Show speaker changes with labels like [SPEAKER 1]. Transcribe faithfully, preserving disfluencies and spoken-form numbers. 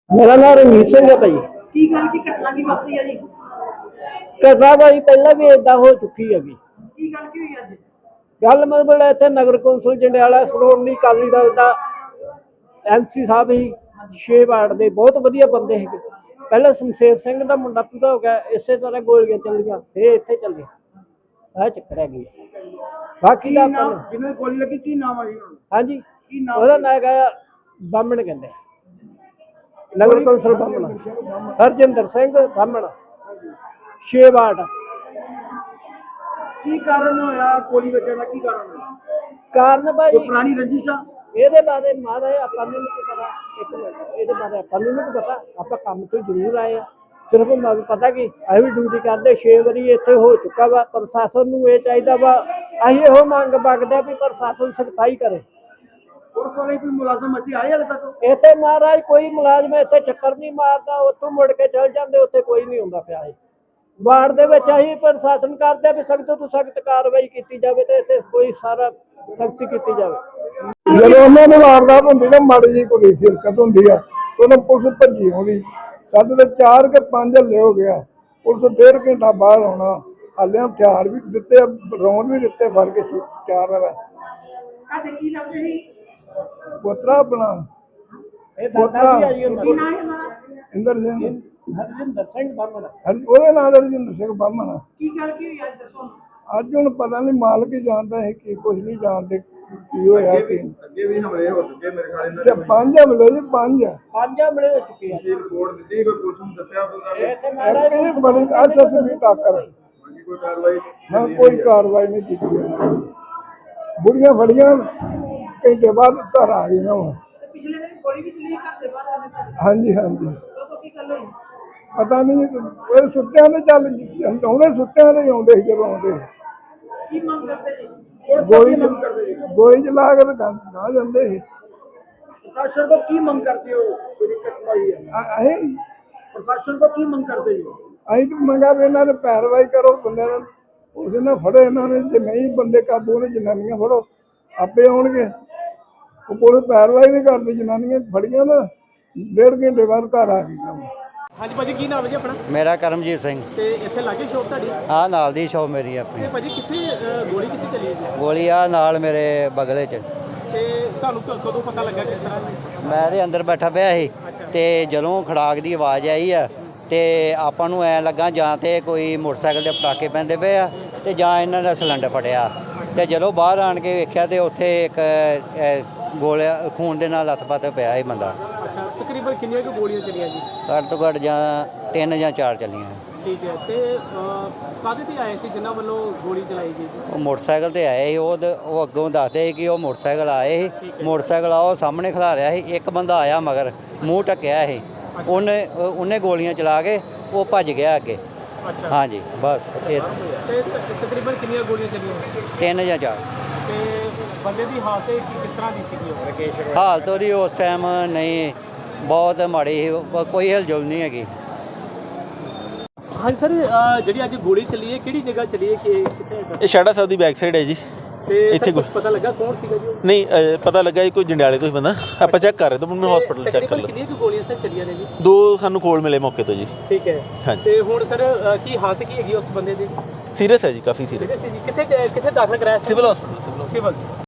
[SPEAKER 1] मेरा नाम रमीत सिंह है भाई।
[SPEAKER 2] की गल की घटना की वापरी है जी?
[SPEAKER 1] घटना भाई पहला भी इदा हो चुकी है।
[SPEAKER 2] की गल की हुई अज?
[SPEAKER 1] गल मतलब इतने नगर कौंसल जंडियाला श्रोमणी अकाली दल का एम सी साहब ही छे वार्ड के बहुत वधिया बंदे है। पहले शमशेर सिंह का मुंडा पूरा हो गया, इस तरह गोलियां चलिया फिर इतने चले आ चक्कर है गई। बाकी का
[SPEAKER 2] जिन्हें गोली लगी की नाम है?
[SPEAKER 1] हाँ जी वह ना है बामण कहते नगर कौंसल बामण हरजिंदर सिंह बामण छे वार्ड।
[SPEAKER 2] की कारण होया गोली बचने का? की कारण होया?
[SPEAKER 1] कारण भाई
[SPEAKER 2] पुरानी रंजिश आ?
[SPEAKER 1] ਇਹਦੇ ਬਾਰੇ ਮਾਰਾ ਆਪਾਂ ਨੂੰ ਨਹੀਂ ਪਤਾ। ਇੱਕ ਮਿੰਟ ਇਹਦੇ ਬਾਰੇ ਆਪਾਂ ਨੂੰ ਨਹੀਂ ਪਤਾ, ਆਪਾਂ ਕੰਮ ਤੋਂ ਜ਼ਰੂਰ ਆਏ ਆ। ਸਿਰਫ ਮੈਨੂੰ ਪਤਾ ਕਿ ਅਸੀਂ ਵੀ ਡਿਊਟੀ ਕਰਦੇ ਛੇ ਵਾਰੀ ਇੱਥੇ ਹੋ ਚੁੱਕਾ ਵਾ। ਪ੍ਰਸ਼ਾਸਨ ਨੂੰ ਇਹ ਚਾਹੀਦਾ ਵਾ, ਅਸੀਂ ਇਹੋ ਮੰਗ ਮੰਗਦੇ ਵੀ ਪ੍ਰਸ਼ਾਸਨ ਸਖਤਾਈ ਕਰੇ।
[SPEAKER 2] पुलिस वाले कोई मुलाजम ਇੱਥੇ ਆਏ ਹਾਲੇ ਤੱਕ?
[SPEAKER 1] ਇੱਥੇ ਮਹਾਰਾਜ ਕੋਈ ਮੁਲਾਜ਼ਮ ਇੱਥੇ ਚੱਕਰ ਨਹੀਂ ਮਾਰਦਾ, ਉੱਥੋਂ ਮੁੜ ਕੇ ਚਲ ਜਾਂਦੇ, ਉੱਥੇ ਕੋਈ ਨਹੀਂ ਹੁੰਦਾ ਪਿਆ। ਵਾਰਡ ਦੇ ਵਿੱਚ ਅਸੀਂ ਪ੍ਰਸ਼ਾਸਨ ਕਰਦੇ ਵੀ ਸਖਤ ਤੋਂ ਸਖਤ ਕਾਰਵਾਈ ਕੀਤੀ ਜਾਵੇ ਤੇ ਇੱਥੇ ਕੋਈ ਸਾਰਾ ਸਖਤੀ ਕੀਤੀ ਜਾਵੇ।
[SPEAKER 3] ਜਦੋਂ ਉਹਨਾਂ ਨੂੰ ਵਾਰਦਾਤ ਹੁੰਦੀ ਨਾ ਮਾੜੀ ਜੀ ਕੋਈ ਹਿਰਕਤ ਹੁੰਦੀ ਆ ਉਹਨੂੰ ਪੁਲਿਸ ਭੱਜੀ ਆਉਂਦੀ। ਸਾਡੇ ਤੇ ਚਾਰ ਕੇ ਪੰਜ ਹੱਲੇ ਹੋ ਗਿਆ, ਪੁਲਿਸ ਡੇਢ ਘੰਟਾ ਬਾਅਦ ਆਉਣਾ। ਹਾਲੇ ਹਥਿਆਰ ਵੀ ਦਿੱਤੇ, ਰੌਂਦ ਵੀ ਦਿੱਤੇ ਫੜ ਕੇ ਚਾਰ ਵਾਰ।
[SPEAKER 2] ਤੁਹਾਡੇ ਕੀ ਲੱਗਦੇ ਸੀ?
[SPEAKER 3] ਪੋਤਰਾ ਆਪਣਾ
[SPEAKER 1] ਇਹ ਦਾਦਾ ਜੀ ਆ ਜੀ
[SPEAKER 2] ਕੀ ਨਾਮ ਹੈ ਉਹਨਾਂ ਦਾ?
[SPEAKER 3] ਇੰਦਰ ਸਿੰਘ
[SPEAKER 1] ਹਰਜਿੰਦਰ ਸਿੰਘ ਬਾਮਣ।
[SPEAKER 3] ਹਰ ਉਹਦੇ ਨਾਲ ਰਜਿੰਦਰ ਸਿੰਘ ਬਾਮਣ।
[SPEAKER 2] ਕੀ ਗੱਲ ਕੀ ਹੋਈ ਅੱਜ ਦੱਸੋ?
[SPEAKER 3] ਅੱਜ ਹੁਣ ਪਤਾ ਨਹੀਂ, ਮਾਲਕ ਹੀ ਜਾਣਦਾ ਹੈ ਕਿ ਕੁਝ ਨਹੀਂ ਜਾਣਦੇ ਕੀ ਹੋਇਆ ਕੀ।
[SPEAKER 4] ਅੱਗੇ ਵੀ ਹਮਲੇ ਹੋ ਚੁੱਕੇ ਮੇਰੇ ਖਿਆਲ ਇਹਨਾਂ
[SPEAKER 3] ਤੇ ਪੰਜ ਹਮਲੇ ਜੀ ਪੰਜ
[SPEAKER 1] ਪੰਜ ਹਮਲੇ ਹੋ ਚੁੱਕੇ ਆ।
[SPEAKER 4] ਨੇ ਰਿਪੋਰਟ ਦਿੱਤੀ, ਕੋਈ ਪੁਲਿਸ ਨੂੰ ਦੱਸਿਆ ਕੋਈ ਗੱਲ
[SPEAKER 1] ਇੱਥੇ ਮਹਾਰਾਜ
[SPEAKER 3] ਇੱਕ ਬੜੀ ਅਸਸੀ ਤਾਕਰ
[SPEAKER 4] ਬਾਕੀ ਕੋਈ ਕਾਰਵਾਈ
[SPEAKER 3] ਨਾ ਕੋਈ ਕਾਰਵਾਈ ਨਹੀਂ ਕੀਤੀ ਉਹਨਾਂ ਨੇ। ਬੁੜੀਆਂ ਫੜੀਆਂ ਘੰਟੇ ਬਾਅਦ ਘਰ ਆ ਗਈਆਂ ਵਾ।
[SPEAKER 2] ਤੇ ਪਿਛਲੇ ਦਿਨ ਗੋਲੀ ਵੀ ਚੱਲੀ ਘਰ ਦੇ ਬਾਹਰ ਆਨੇ ਤੁਹਾਡੇ?
[SPEAKER 3] ਹਾਂਜੀ ਹਾਂਜੀ
[SPEAKER 2] ਉਹ ਕੀ ਗੱਲ ਹੋਈ?
[SPEAKER 3] ਪਤਾ ਨਹੀਂ, ਉਹ ਸੁੱਤਿਆਂ ਦੇ ਚੱਲ ਆਉਂਦੇ, ਸੁੱਤਿਆਂ ਦੇ ਆਉਂਦੇ ਸੀ ਜਦੋਂ ਆਉਂਦੇ।
[SPEAKER 2] ਕੀ ਮੰਗ ਕਰਦੇ ਜੀ?
[SPEAKER 3] ਗੋਲੀ ਗੋਲੀ ਚਲਾ ਕੇ ਤਾਂ ਨਾ ਜਾਂਦੇ ਸੀ।
[SPEAKER 2] प्रशासन को की मंग करते हो?
[SPEAKER 3] ਅਸੀਂ
[SPEAKER 2] प्रशासन को की मंग करते हो?
[SPEAKER 3] ਅਸੀਂ ਤਾਂ ਮੰਗਾ ਵੀ ਇਹਨਾਂ ਨੇ ਪੈਰਵਾਈ ਕਰੋ, ਬੰਦਿਆਂ ਨੂੰ ਉਸ ਨੇ ਫੜੋ ਇਹਨਾਂ ਨੇ। ਜੇ ਨਹੀਂ ਬੰਦੇ ਕਾਬੂ ਨੇ, ਜਨਾਨੀਆਂ ਫੜੋ, ਆਪੇ ਆਉਣਗੇ। ਉਹ ਪੁਲਿਸ ਪੈਰਵਾਈ ਨਹੀਂ ਕਰਦੀ, ਜਨਾਨੀਆਂ ਫੜੀਆਂ ਨਾ ਡੇਢ ਘੰਟੇ ਬਾਅਦ ਘਰ ਆ ਗਈਆਂ।
[SPEAKER 2] ਹਾਂਜੀ ਭਾਜੀ ਕੀ ਨਾਮ ਹੈ ਜੀ ਆਪਣਾ?
[SPEAKER 5] ਮੇਰਾ ਕਰਮਜੀਤ ਸਿੰਘ।
[SPEAKER 2] ਤੇ ਇੱਥੇ ਲਾਗੇ ਸ਼ੋਪ ਤੁਹਾਡੀ?
[SPEAKER 5] ਆਹ ਨਾਲ ਦੀ ਸ਼ੌਪ ਮੇਰੀ ਆਪਣੀ।
[SPEAKER 2] ਤੇ ਭਾਜੀ ਕਿੱਥੇ ਅਹ, ਗੋਲੀ ਕਿੱਥੇ ਚੱਲੀ ਹੈ ਜੀ?
[SPEAKER 5] ਗੋਲੀ ਆ ਨਾਲ ਮੇਰੇ ਬਗਲੇ 'ਚ।
[SPEAKER 2] ਤੇ ਤੁਹਾਨੂੰ ਕ- ਕਦੋਂ ਪਤਾ ਲੱਗਾ ਕਿਸ ਤਰ੍ਹਾਂ?
[SPEAKER 5] ਮੈਂ ਦੇ ਅੰਦਰ ਬੈਠਾ ਪਿਆ ਸੀ ਤੇ ਜਦੋਂ ਖੜਾਕ ਦੀ ਆਵਾਜ਼ ਆਈ ਆ ਤੇ ਆਪਾਂ ਨੂੰ ਐ ਲੱਗਾ ਜਾਂ ਤੇ ਕੋਈ ਮੋਟਰਸਾਈਕਲ ਦੇ ਪਟਾਕੇ ਪੈਂਦੇ ਪਏ ਆ ਤੇ ਜਾਂ ਇਹਨਾਂ ਦਾ ਸਿਲੰਡਰ ਫਟਿਆ। ਤੇ ਜਦੋਂ ਬਾਹਰ ਆਣ ਕੇ ਵੇਖਿਆ ਤੇ ਉੱਥੇ ਇੱਕ ਅ, ਗੋਲਿਆ ਖੂਨ ਦੇ ਨਾਲ ਲੱਥ-ਪੱਥ ਪਿਆ ਸੀ ਬੰਦਾ।
[SPEAKER 2] ਅੱਛਾ ਤਕਰੀਬਨ ਕਿੰਨੀਆਂ ਕੁ ਗੋਲੀਆਂ ਚੱਲੀਆਂ ਜੀ?
[SPEAKER 5] ਘੱਟ ਤੋਂ ਘੱਟ ਜਾਂ ਤਿੰਨ ਜਾਂ ਚਾਰ ਚੱਲੀਆਂ।
[SPEAKER 2] ਠੀਕ ਹੈ। ਤੇ ਕਾਹਦੇ ਤੇ ਆਏ ਸੀ ਜਿਨ੍ਹਾਂ ਵੱਲੋਂ ਗੋਲੀ ਚਲਾਈ ਗਈ ਜੀ?
[SPEAKER 5] ਉਹ ਮੋਟਰਸਾਈਕਲ ਤੇ ਆਏ ਸੀ। ਉਹ ਦ- ਉਹ ਅੱਗੋਂ ਦੱਸਦੇ ਸੀ ਕਿ ਉਹ ਮੋਟਰਸਾਈਕਲ ਆਏ ਸੀ, ਮੋਟਰਸਾਈਕਲ ਆ ਉਹ ਸਾਹਮਣੇ ਖਲਾ ਰਿਹਾ ਸੀ। ਇੱਕ ਬੰਦਾ ਆਇਆ ਮਗਰ ਮੂੰਹ ਢੱਕਿਆ ਸੀ, ਉਹਨੇ ਉਹਨੇ ਗੋਲੀਆਂ ਚਲਾ ਕੇ ਉਹ ਭੱਜ ਗਿਆ ਅੱਗੇ।
[SPEAKER 2] ਅੱਛਾ
[SPEAKER 5] ਹਾਂਜੀ ਬਸ ਇਹ
[SPEAKER 2] ਤੇ ਤ- ਤਕਰੀਬਨ ਕਿੰਨੀਆਂ ਗੋਲੀਆਂ ਚੱਲੀਆਂ?
[SPEAKER 5] ਤਿੰਨ ਜਾਂ ਚਾਰ।
[SPEAKER 2] ਤੇ ਬੰਦੇ ਦੀ ਹਾਲਤ ਕਿਸ ਤਰ੍ਹਾਂ ਦੀ ਸੀਗੀ? ਉਹ ਰਕੇਸ਼
[SPEAKER 5] ਹਾਲਤ ਉਹਦੀ ਉਸ ਟਾਈਮ ਨਹੀਂ, ਬਹੁਤ ਮਾੜੀ ਸੀ, ਉਹ- ਕੋਈ ਹਿਲਜੁਲ ਨਹੀਂ ਹੈਗੀ।
[SPEAKER 2] ਹਾਂਜੀ ਸਰ ਜਿਹੜੀ ਅੱਜ ਗੋਲੀ ਚੱਲੀ ਹੈ ਕਿਹੜੀ ਜਗ੍ਹਾ ਚੱਲੀ ਹੈ? ਕਿ ਕਿੱਥੇ?
[SPEAKER 6] ਇਹ ਸ਼ਾੜਾ ਸਾਹਿਬ ਦੀ ਬੈਕ ਸਾਈਡ ਹੈ ਜੀ।
[SPEAKER 2] ਤੇ
[SPEAKER 6] ਇੱਥੇ
[SPEAKER 2] ਇੱਥੇ ਕੁਝ
[SPEAKER 6] ਕੁਛ-
[SPEAKER 2] ਪਤਾ ਲੱਗਾ ਕੌਣ ਸੀਗਾ ਜੀ?
[SPEAKER 6] ਨਹੀਂ ਅ, ਪਤਾ ਲੱਗਾ ਜੀ ਕੋਈ ਜੰਡਿਆਲੇ ਤੋਂ ਹੀ ਬੰਦਾ। ਆਪਾਂ ਚੈੱਕ ਕਰ ਰਹੇ ਤਾਂ ਮੈਨੂੰ ਹਸਪੀਟਲ ਚੈੱਕ ਕਰ
[SPEAKER 2] ਤਕਰੀਬਨ
[SPEAKER 6] ਲਓ।
[SPEAKER 2] ਕਿੰਨੀਆਂ ਕੁ ਗੋਲੀਆਂ ਸਰ ਚੱਲੀਆਂ ਨੇ ਜੀ?
[SPEAKER 6] ਦੋ ਸਾਨੂੰ ਕੋਲ ਮਿਲੇ ਮੌਕੇ ਤੋਂ ਜੀ।
[SPEAKER 2] ਠੀਕ ਹੈ।
[SPEAKER 6] ਹਾਂਜੀ।
[SPEAKER 2] ਤੇ ਹੁਣ ਸਰ ਅ, ਕੀ ਹਾਲਤ ਕੀ ਹੈਗੀ ਉਸ ਬੰਦੇ ਦੀ?
[SPEAKER 6] ਸੀਰੀਅਸ ਹੈ ਜੀ, ਕਾਫੀ ਸੀਰੀਅਸ।
[SPEAKER 2] ਕਿੱਥੇ ਕਿੱਥੇ ਦਾਖਲ ਕਰਾਇਆ ਸੀ?
[SPEAKER 6] Civil hospital civil
[SPEAKER 2] civil